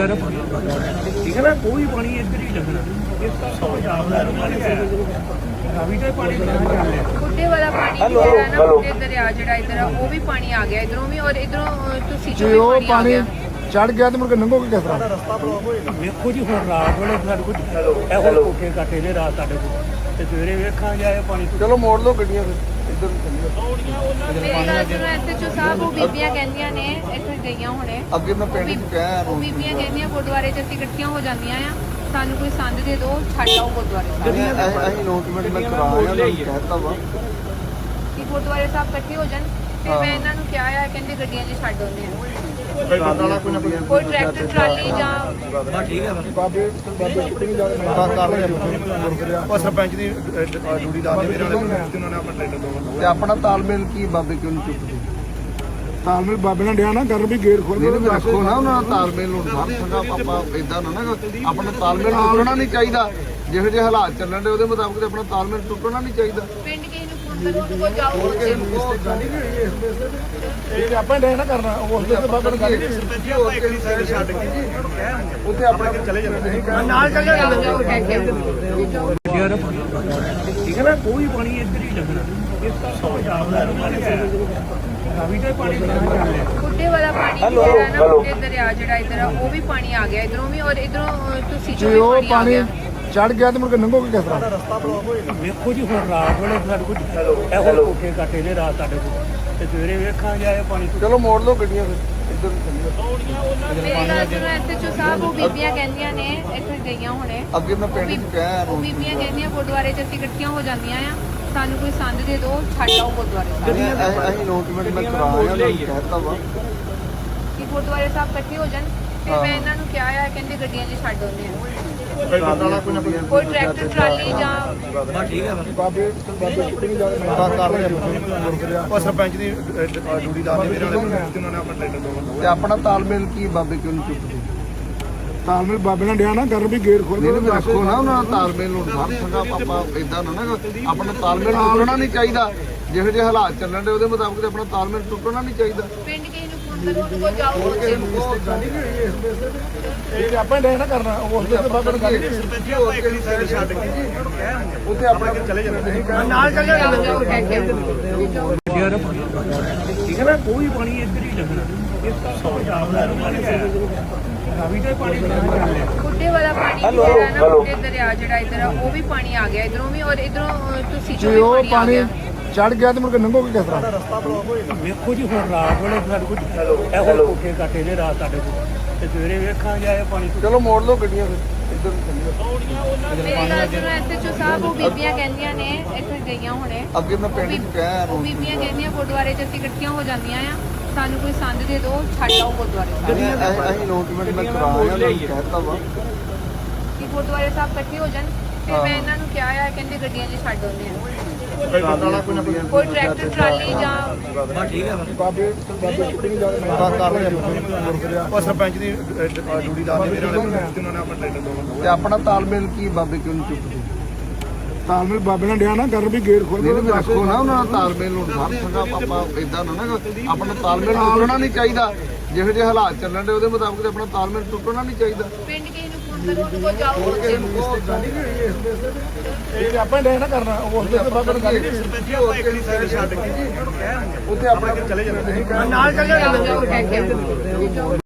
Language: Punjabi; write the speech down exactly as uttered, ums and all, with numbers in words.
ਯਾਰ ਠੀਕ ਹੈ ਨਾ, ਕੋਈ ਪਾਣੀ ਇੱਧਰ ਹੀ ਲੱਗਣਾ। ਇਸ ਦਾ ਪੰਜਾਬ ਦਾ ਪਾਣੀ ਹੈ, ਰਾਵੀ ਦਾ ਪਾਣੀ ਕਹਾਂ ਚੱਲ ਰਿਹਾ। ਬੁੱਢੇ ਵਾਲਾ ਪਾਣੀ ਜਿਹੜਾ ਨਾ, ਬੁੱਢੇ ਦਰਿਆ ਜਿਹੜਾ ਇੱਧਰ ਆ, ਉਹ ਵੀ ਪਾਣੀ ਆ ਗਿਆ ਇਧਰੋਂ ਵੀ, ਔਰ ਇਧਰੋਂ ਤੁਸੀਂ ਜੇ ਉਹ ਪਾਣੀ ਚੜ ਗਿਆ ਤੇ ਮੁੜ ਕੇ ਲੰਘੋਗੇ ਕਿਸ ਤਰ੍ਹਾਂ? ਵੇਖੋ ਜੀ, ਹੁਣ ਰਾਤ ਵੇਲੇ ਸਾਡੇ ਕੋਲ ਇਹੋ ਕੋਠੇ ਕਾਟੇ ਨੇ ਰਾਤ ਸਾਡੇ ਕੋਲ, ਤੇ ਸਵੇਰੇ ਵੇਖਾਂਗੇ ਆਏ ਪਾਣੀ। ਚਲੋ ਮੋੜ ਲਓ ਗੱਡੀਆਂ ਫਿਰ ਇੱਧਰ ਚੱਲੀਏ। ਮੇਰੀ ਗੱਲ ਸੁਣੋ, ਇੱਥੇ ਚੋ ਸਾਹਿਬ ਉਹ ਬੀਬੀਆਂ ਕਹਿੰਦੀਆਂ ਨੇ, ਇੱਥੇ ਗਈਆਂ ਹੁਣੇ, ਅੱਗੇ ਮੈਂ ਪਿੰਡ ਚ ਕਹਿਆ ਉਹ ਬੀਬੀਆਂ ਕਹਿੰਦੀਆਂ ਗੁਰਦੁਆਰੇ 'ਚ ਅਸੀਂ ਇਕੱਠੀਆਂ ਹੋ ਜਾਂਦੀਆਂ ਆ, ਸਾਨੂੰ ਕੋਈ ਸੰਦ ਦੇ ਦਿਓ, ਛੱਡ ਆਓ ਗੁਰਦੁਆਰੇ ਸਾਹਿਬ। ਅਸੀਂ ਨੋਟਮੈਂਟ ਮੈਂ ਕਰਾ ਆਇਆ, ਮੈਂ ਕਹਿਤਾ ਵਾ ਕਿ ਗੁਰਦੁਆਰੇ ਸਾਹਿਬ ਇਕੱਠੇ ਹੋ ਜਾਣ। ਫਿਰ ਮੈਂ ਇਹਨਾਂ ਨੂੰ ਕਿਹਾ ਆ, ਕਹਿੰਦੇ ਗੱਡੀਆਂ 'ਚ ਛੱਡ ਆਉਂਦੇ ਆ, ਕੋਈ ਟਰੈਕਟਰ ਟਰਾਲੀ ਜਾਂ ਠੀਕ ਹੈ ਬਾਬੇ ਬਾਬੇ ਛੁੱਟੀ ਜਾ ਕੇ ਉਹ ਸਰਪੰਚ ਦੀ ਡਿਊਟੀ ਦਾ ਮੇਰੇ ਵਾਲੇ ਉਹਨਾਂ ਨੇ ਆਪਣਾ ਟ੍ਰੇਨਰ ਦੋ ਤੇ ਆਪਣਾ ਤਾਲਮੇਲ ਕੀ ਬਾਬੇ ਕਿਉਂ ਨਹੀਂ ਚੁੱਕਦੇ? ਤਾਲਮੇਲ ਬਾਬੇ ਨਾਲ ਡਿਆ ਨਾ ਕਰਨ ਵੀ ਗੇਟ ਖੋਲ ਕੇ ਰੱਖੋ ਨਾ, ਉਹਨਾਂ ਦਾ ਤਾਲਮੇਲ ਨੂੰ ਹਰ ਸੰਗਾ ਆਪਾਂ ਇਦਾਂ ਨਾ ਨਾ ਆਪਣਾ ਤਾਲਮੇਲ ਟੁੱਟਣਾ ਨਹੀਂ ਚਾਹੀਦਾ। ਜਿਹੋ ਜਿਹੇ ਹਾਲਾਤ ਚੱਲਣ ਦੇ ਉਹਦੇ ਮੁਤਾਬਕ ਤੇ ਆਪਣਾ ਤਾਲਮੇਲ ਟੁੱਟਣਾ ਨਹੀਂ ਚਾਹੀਦਾ। ਪਿੰਡ ਕਿਸੇ ਨੂੰ ਫੋਨ ਕਰੋ, ਉਹਦੇ ਕੋਲ ਜਾਓ, ਉੱਥੇ ਇਹ ਆਪਾਂ ਡਿਆ ਨਾ ਕਰਨਾ, ਉਸ ਦੇ ਬਾਬੇ ਨੂੰ ਗੱਲ ਛੱਡ ਕੇ ਉੱਥੇ ਆਪਣਾ ਚਲੇ ਜਾਂਦੇ ਨਾਲ ਚੱਲ ਜਾਓ, ਜਾਓ, ਕਹਿ ਕੇ ਯਾਰ ਠੀਕ ਹੈ ਨਾ, ਕੋਈ ਪਾਣੀ ਇੱਧਰ ਹੀ ਲੱਗਣਾ। ਇਸ ਦਾ ਪੰਜਾਬ ਦਾ ਪਾਣੀ ਹੈ, ਰਾਵੀ ਦਾ ਪਾਣੀ ਕਹਾਂ ਚੱਲ ਰਿਹਾ। ਬੁੱਢੇ ਵਾਲਾ ਪਾਣੀ ਜਿਹੜਾ ਨਾ, ਬੁੱਢੇ ਦਰਿਆ ਜਿਹੜਾ ਇੱਧਰ ਆ, ਉਹ ਵੀ ਪਾਣੀ ਆ ਗਿਆ ਇਧਰੋਂ ਵੀ, ਔਰ ਇਧਰੋਂ ਤੁਸੀਂ ਜੇ ਉਹ ਪਾਣੀ ਚੜ ਗਿਆ ਤੇ ਮੁੜ ਕੇ ਲੰਘੋਗੇ ਕਿਸ ਤਰ੍ਹਾਂ? ਵੇਖੋ ਜੀ, ਹੁਣ ਰਾਤ ਵੇਲੇ ਸਾਡੇ ਕੋਲ ਇਹੋ ਕੋਠੇ ਕਾਟੇ ਨੇ ਰਾਤ ਸਾਡੇ ਕੋਲ, ਤੇ ਸਵੇਰੇ ਵੇਖਾਂਗੇ ਆਏ ਪਾਣੀ। ਚਲੋ ਮੋੜ ਲਓ ਗੱਡੀਆਂ ਫਿਰ ਇੱਧਰ ਚੱਲੀਏ। ਮੇਰੀ ਗੱਲ ਸੁਣੋ, ਇੱਥੇ ਚੋ ਸਾਹਿਬ ਉਹ ਬੀਬੀਆਂ ਕਹਿੰਦੀਆਂ ਨੇ, ਇੱਥੇ ਗਈਆਂ ਹੁਣੇ, ਅੱਗੇ ਮੈਂ ਪਿੰਡ ਚ ਕਹਿਆ ਉਹ ਬੀਬੀਆਂ ਕਹਿੰਦੀਆਂ ਗੁਰਦੁਆਰੇ 'ਚ ਅਸੀਂ ਇਕੱਠੀਆਂ ਹੋ ਜਾਂਦੀਆਂ ਆ, ਸਾਨੂੰ ਕੋਈ ਸੰਦ ਦੇ ਦਿਓ, ਛੱਡ ਆਓ ਗੁਰਦੁਆਰੇ ਸਾਹਿਬ। ਅਸੀਂ ਨੋਟਮੈਂਟ ਮੈਂ ਕਰਾ ਆਇਆ, ਮੈਂ ਕਹਿਤਾ ਵਾ ਕਿ ਗੁਰਦੁਆਰੇ ਸਾਹਿਬ ਇਕੱਠੇ ਹੋ ਜਾਣ। ਫਿਰ ਮੈਂ ਇਹਨਾਂ ਨੂੰ ਕਿਹਾ ਆ, ਕਹਿੰਦੇ ਗੱਡੀਆਂ 'ਚ ਛੱਡ ਆਉਂਦੇ ਆ, ਕੋਈ ਟਰੈਕਟਰ ਟਰਾਲੀ ਜਾਂ ਠੀਕ ਹੈ ਬਾਬੇ ਬਾਬੇ ਛੁੱਟੀ ਜਾ ਕੇ ਉਹ ਸਰਪੰਚ ਦੀ ਡਿਊਟੀ ਦਾ ਮੇਰੇ ਵਾਲੇ ਉਹਨਾਂ ਨੇ ਆਪਣਾ ਟ੍ਰੇਨਰ ਦੋ ਤੇ ਆਪਣਾ ਤਾਲਮੇਲ ਕੀ ਬਾਬੇ ਕਿਉਂ ਨਹੀਂ ਚੁੱਕਦੇ? ਤਾਲਮੇਲ ਬਾਬੇ ਨਾਲ ਡਿਆ ਨਾ ਕਰਨ ਵੀ ਗੇਟ ਖੋਲ ਕੇ ਰੱਖੋ ਨਾ, ਉਹਨਾਂ ਦਾ ਤਾਲਮੇਲ ਨੂੰ ਹਰ ਸੰਗਾ ਆਪਾਂ ਇਦਾਂ ਨਾ ਨਾ ਆਪਣਾ ਤਾਲਮੇਲ ਟੁੱਟਣਾ ਨਹੀਂ ਚਾਹੀਦਾ। ਜਿਹੋ ਜਿਹੇ ਹਾਲਾਤ ਚੱਲਣ ਦੇ ਉਹਦੇ ਮੁਤਾਬਕ ਤੇ ਆਪਣਾ ਤਾਲਮੇਲ ਟੁੱਟਣਾ ਨਹੀਂ ਚਾਹੀਦਾ। ਪਿੰਡ ਕਿਸੇ ਨੂੰ ਫੋਨ ਕਰੋ, ਉਹਦੇ ਕੋਲ ਜਾਓ, ਉੱਥੇ ਇਹ ਆਪਾਂ ਡਿਆ ਨਾ ਕਰਨਾ, ਉਸ ਦੇ ਬਾਬੇ ਨੂੰ ਗੱਲ ਛੱਡ ਕੇ ਉੱਥੇ ਆਪਣਾ ਚਲੇ ਜਾਂਦੇ ਨਾਲ ਚੱਲ ਜਾਓ, ਜਾਓ, ਕਹਿ ਕੇ ਯਾਰ ਠੀਕ ਹੈ ਨਾ, ਕੋਈ ਪਾਣੀ ਇੱਧਰ ਹੀ ਲੱਗਣਾ। ਇਸ ਦਾ ਪੰਜਾਬ ਦਾ ਪਾਣੀ ਹੈ, ਰਾਵੀ ਦਾ ਪਾਣੀ ਕਹਾਂ ਚੱਲ ਰਿਹਾ। ਬੁੱਢੇ ਵਾਲਾ ਪਾਣੀ ਜਿਹੜਾ ਨਾ, ਬੁੱਢੇ ਦਰਿਆ ਜਿਹੜਾ ਇੱਧਰ ਆ, ਉਹ ਵੀ ਪਾਣੀ ਆ ਗਿਆ ਇਧਰੋਂ ਵੀ, ਔਰ ਇਧਰੋਂ ਤੁਸੀਂ ਜੇ ਉਹ ਪਾਣੀ ਚੜ ਗਿਆ ਤੇ ਮੁੜ ਕੇ ਲੰਘੋਗੇ ਕਿਸ ਤਰ੍ਹਾਂ? ਵੇਖੋ ਜੀ, ਹੁਣ ਰਾਤ ਵੇਲੇ ਸਾਡੇ ਕੋਲ ਇਹੋ ਕੋਠੇ ਕਾਟੇ ਨੇ ਰਾਤ ਸਾਡੇ ਕੋਲ, ਤੇ ਸਵੇਰੇ ਵੇਖਾਂਗੇ ਆਏ ਪਾਣੀ। ਚਲੋ ਮੋੜ ਲਓ ਗੱਡੀਆਂ ਫਿਰ ਇੱਧਰ ਚੱਲੀਏ। ਮੇਰੀ ਗੱਲ ਸੁਣੋ, ਇੱਥੇ ਚੋ ਸਾਹਿਬ ਉਹ ਬੀਬੀਆਂ ਕਹਿੰਦੀਆਂ ਨੇ, ਇੱਥੇ ਗਈਆਂ ਹੁਣੇ, ਅੱਗੇ ਮੈਂ ਪਿੰਡ ਚ ਕਹਿਆ ਉਹ ਬੀਬੀਆਂ ਕਹਿੰਦੀਆਂ ਗੁਰਦੁਆਰੇ 'ਚ ਅਸੀਂ ਇਕੱਠੀਆਂ ਹੋ ਜਾਂਦੀਆਂ ਆ, ਸਾਨੂੰ ਕੋਈ ਸੰਦ ਦੇ ਦਿਓ, ਛੱਡ ਆਓ ਗੁਰਦੁਆਰੇ ਸਾਹਿਬ। ਅਸੀਂ ਨੋਟਮੈਂਟ ਮੈਂ ਕਰਾ ਆਇਆ, ਮੈਂ ਕਹਿਤਾ ਵਾ ਕਿ ਗੁਰਦੁਆਰੇ ਸਾਹਿਬ ਇਕੱਠੇ ਹੋ ਜਾਣ। ਫਿਰ ਮੈਂ ਇਹਨਾਂ ਨੂੰ ਕਿਹਾ ਆ, ਕਹਿੰਦੇ ਗੱਡੀਆਂ 'ਚ ਛੱਡ ਆਉਂਦੇ ਆ, ਕੋਈ ਟਰੈਕਟਰ ਟਰਾਲੀ ਜਾਂ ਠੀਕ ਹੈ ਬਾਬੇ ਬਾਬੇ ਛੁੱਟੀ ਜਾ ਕੇ ਉਹ ਸਰਪੰਚ ਦੀ ਡਿਊਟੀ ਦਾ ਮੇਰੇ ਵਾਲੇ ਉਹਨਾਂ ਨੇ ਆਪਣਾ ਟ੍ਰੇਨਰ ਦੋ ਤੇ ਆਪਣਾ ਤਾਲਮੇਲ ਕੀ ਬਾਬੇ ਕਿਉਂ ਨਹੀਂ ਚੁੱਕਦੇ? ਤਾਲਮੇਲ ਬਾਬੇ ਨਾਲ ਡਿਆ ਨਾ ਕਰਨ ਵੀ ਗੇਟ ਖੋਲ ਕੇ ਰੱਖੋ ਨਾ, ਉਹਨਾਂ ਦਾ ਤਾਲਮੇਲ ਨੂੰ ਹਰ ਸੰਗਾ ਆਪਾਂ ਇਦਾਂ ਨਾ ਨਾ ਆਪਣਾ ਤਾਲਮੇਲ ਟੁੱਟਣਾ ਨਹੀਂ ਚਾਹੀਦਾ। ਜਿਹੋ ਜਿਹੇ ਹਾਲਾਤ ਚੱਲਣ ਦੇ ਉਹਦੇ ਮੁਤਾਬਕ ਤੇ ਆਪਣਾ ਤਾਲਮੇਲ ਟੁੱਟਣਾ ਨਹੀਂ ਚਾਹੀਦਾ। ਪਿੰਡ ਕਿਸੇ ਨੂੰ ਫੋਨ ਕਰੋ, ਉਹਦੇ ਕੋਲ ਜਾਓ, ਉੱਥੇ ਇਹ ਆਪਾਂ ਡਿਆ ਨਾ ਕਰਨਾ, ਉਸ ਦੇ ਬਾਬੇ ਨੂੰ ਗੱਲ ਛੱਡ ਕੇ ਉੱਥੇ ਆਪਣਾ ਚਲੇ ਜਾਂਦੇ ਨਾਲ ਚੱਲ ਜਾਓ, ਜਾਓ, ਕਹਿ ਕੇ